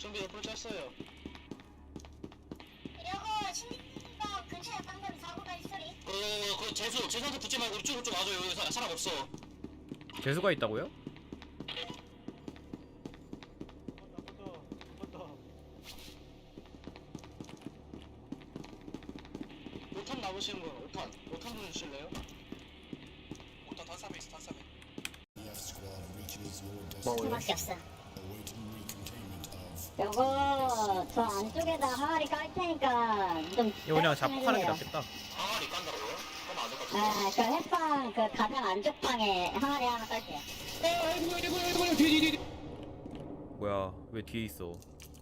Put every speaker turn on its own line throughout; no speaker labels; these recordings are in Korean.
준비 옆으로 짰어요.
이러고 신림가 근처에 방금 사고 날 소리.
그 재수한테 붙지 말고 이쪽으로 좀 와줘요. 여기 사람 없어.
재수가 있다고요?
오탄 남으시는 분, 오탄 좀 주실래요? 오탄 탄삼에 있어, 탄삼에.
밖에 없어. 요거 저 안쪽에다 항아리 깔 테니까 좀.
이거 그냥 자폭하는 게 낫겠다.
항아리 깐다고요? 그럼 안될 것 같은데.
그 햇방 그 가장 안쪽 방에 항아리 하나 깔게요.
뭐야, 왜 뒤에 있어?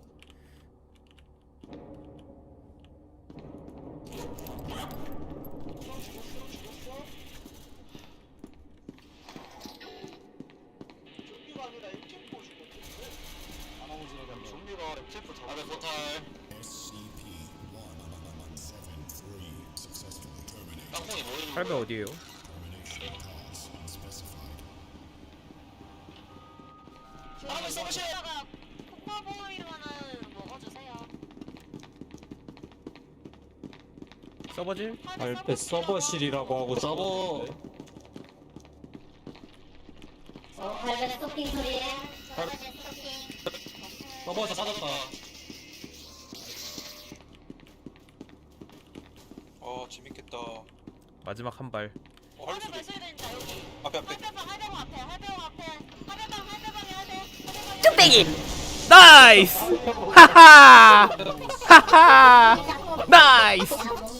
좀비가 아니라 MTF 보시거든요. 좀비가 MTF 잡아. 아래 포탈. 땅콩이 뭐 있는
8배 어디에요?
한번 써보세요.
콩나물만은 먹어주세요.
서버질?
알페 서버실이라고 하고
서버
발전의 토핑 소리에 발전의 토핑.
서버에서 찾았다.
재밌겠다.
마지막 한 발.
할배 발소리 된다 여기.
앞에.
할배방 앞에.
뚝배기! 나이스! 하하! 하하! 나이스!